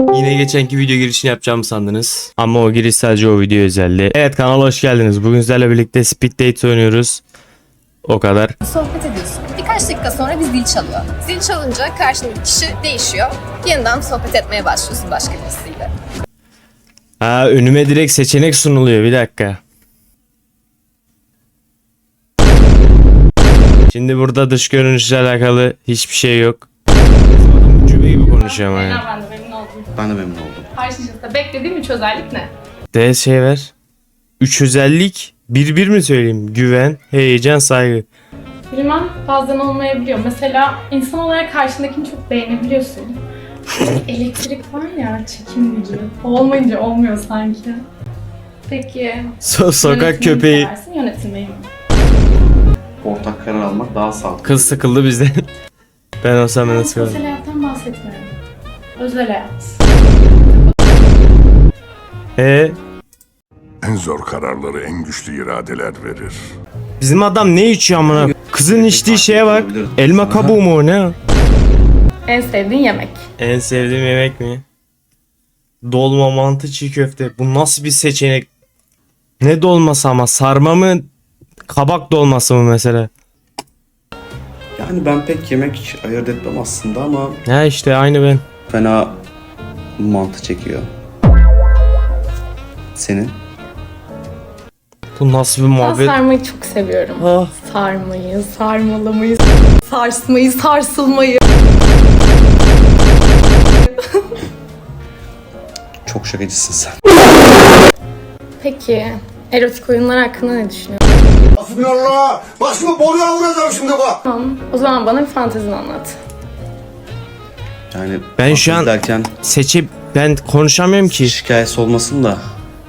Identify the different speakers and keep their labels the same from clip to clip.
Speaker 1: Yine geçenki video girişini yapacağımı sandınız. Ama o giriş sadece o video özelliği. Evet, kanala hoş geldiniz. Bugün sizlerle birlikte Speed Date oynuyoruz. O kadar.
Speaker 2: Sohbet ediyorsun. Birkaç dakika sonra bir zil çalıyor. Zil çalınca karşındaki kişi değişiyor. Yeniden sohbet etmeye başlıyorsun başka birisiyle.
Speaker 1: Ha, önüme direkt seçenek sunuluyor. Bir dakika. Şimdi burada dış görünüşle alakalı hiçbir şey yok. Adam ucube gibi konuşuyor ama ya.
Speaker 3: Ben de memnun oldum.
Speaker 4: Ben de memnun oldum.
Speaker 3: Karşınızda beklediğim 3 özellik ne?
Speaker 1: D şey ver. 3 özellik. Bir mi söyleyeyim? Güven, heyecan, saygı.
Speaker 3: Bilmem, bazen olmayabiliyor. Mesela insan olarak karşındakini çok beğenebiliyorsun. Elektrik var ya, çekim gücü. O olmayınca olmuyor sanki. Peki,
Speaker 1: Sokak
Speaker 3: yönetmeyi mi
Speaker 1: köpeği.
Speaker 3: seversin, yönetilmeyi mi?
Speaker 4: Ortak karar almak daha sağlıklı.
Speaker 1: Kız sıkıldı bizden. Ben olsam ben
Speaker 3: Ben
Speaker 1: nasıl
Speaker 3: sosyal hayattan bahsetmiyorum. Özel hayat.
Speaker 5: En zor kararları en güçlü iradeler verir.
Speaker 1: Bizim adam ne içiyor amına? Kızın içtiği şeye bak. Elma kabuğu mu o ne?
Speaker 3: En sevdiğin yemek?
Speaker 1: En sevdiğim yemek mi? Dolma, mantı, çiğ köfte. Bu nasıl bir seçenek? Ne dolması ama? Sarma mı? Kabak dolması mı mesela?
Speaker 4: Yani ben pek yemek ayırt etmem aslında ama
Speaker 1: Ha işte aynı ben.
Speaker 4: fena mantı çekiyor. Senin?
Speaker 1: Bu nasıl bir
Speaker 3: Ben
Speaker 1: muhabbet?
Speaker 3: sarmayı çok seviyorum.
Speaker 1: Ah.
Speaker 3: Sarmayı, sarmalamayı, sarsmayı, sarsılmayı.
Speaker 4: Çok şakacısın sen.
Speaker 3: Peki, erotik oyunlar hakkında ne düşünüyorsun?
Speaker 6: Hasbinallah! Başımı boruya vuracağım şimdi bak!
Speaker 3: Tamam, o zaman bana bir fantezini anlat.
Speaker 4: Yani
Speaker 1: Ben şu an-
Speaker 4: derken
Speaker 1: Ben konuşamıyorum ki.
Speaker 4: şikayesi olmasın da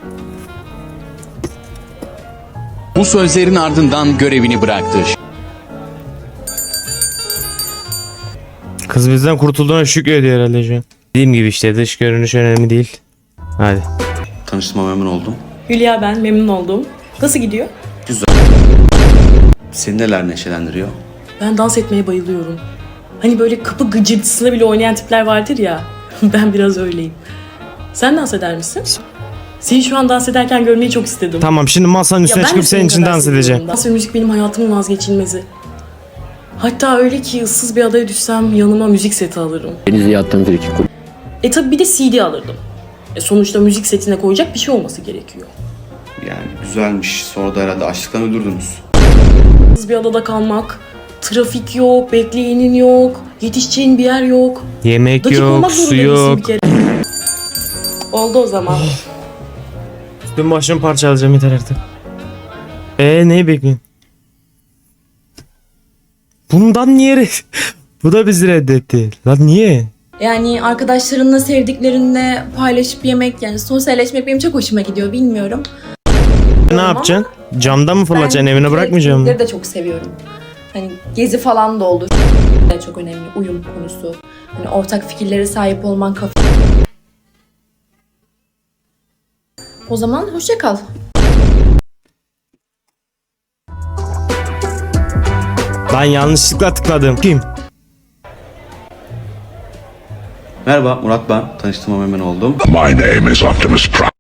Speaker 7: Bu sözlerin ardından görevini bıraktı.
Speaker 1: Kız bizden kurtulduğuna şükrediyor herhalde şu an. Dediğim gibi işte dış görünüş önemli değil. Hadi.
Speaker 4: tanıştığıma memnun oldum.
Speaker 8: Hülya ben, memnun oldum. Nasıl gidiyor?
Speaker 4: Seni neler neşelendiriyor?
Speaker 8: Ben dans etmeye bayılıyorum. Hani böyle kapı gıcırtısına bile oynayan tipler vardır ya. Ben biraz öyleyim. Sen dans eder misin? Seni şu an dans ederken görmeyi çok istedim.
Speaker 1: Tamam, şimdi masanın üstüne
Speaker 8: ben de
Speaker 1: çıkıp senin için
Speaker 8: kadar
Speaker 1: dans
Speaker 8: seviyorum.
Speaker 1: edeceğim.
Speaker 8: Dans ve müzik benim hayatımın vazgeçilmezi. Hatta öyle ki ıssız bir adaya düşsem yanıma müzik seti alırım.
Speaker 9: Denize yattığım frikik.
Speaker 8: Tabi bir de CD alırdım. Sonuçta müzik setine koyacak bir şey olması gerekiyor.
Speaker 4: Yani güzelmiş. Sonra da herhalde açlıktan ölürdünüz.
Speaker 8: Issız bir adada kalmak, trafik yok, bekleyenin yok, yetişeceğin bir yer yok.
Speaker 1: Yemek
Speaker 8: Dakik
Speaker 1: yok,
Speaker 8: olmak
Speaker 1: su
Speaker 8: zorunda değilsin
Speaker 1: yok.
Speaker 8: bir kere. Oldu o zaman.
Speaker 1: Dün başımı parçalayacağım, yeter artık. Neyi bekliyorsun? Bundan niye Bu da bizi reddetti. Lan niye?
Speaker 10: Yani arkadaşlarınla, sevdiklerinle paylaşıp yemek, yani sosyalleşmek benim çok hoşuma gidiyor, bilmiyorum.
Speaker 1: Ne yapacaksın? Camdan mı fırlatacaksın, evine bırakmayacağım mı?
Speaker 10: Etkinlikleri de çok seviyorum. Hani gezi falan da olur. Çok önemli, uyum konusu. Hani ortak fikirlere sahip olman, kafa. O zaman hoşça kal.
Speaker 1: Ben yanlışlıkla tıkladım. Kim?
Speaker 4: Merhaba Murat ben. Tanıştığıma memnun oldum.
Speaker 5: My name is Optimus Prime.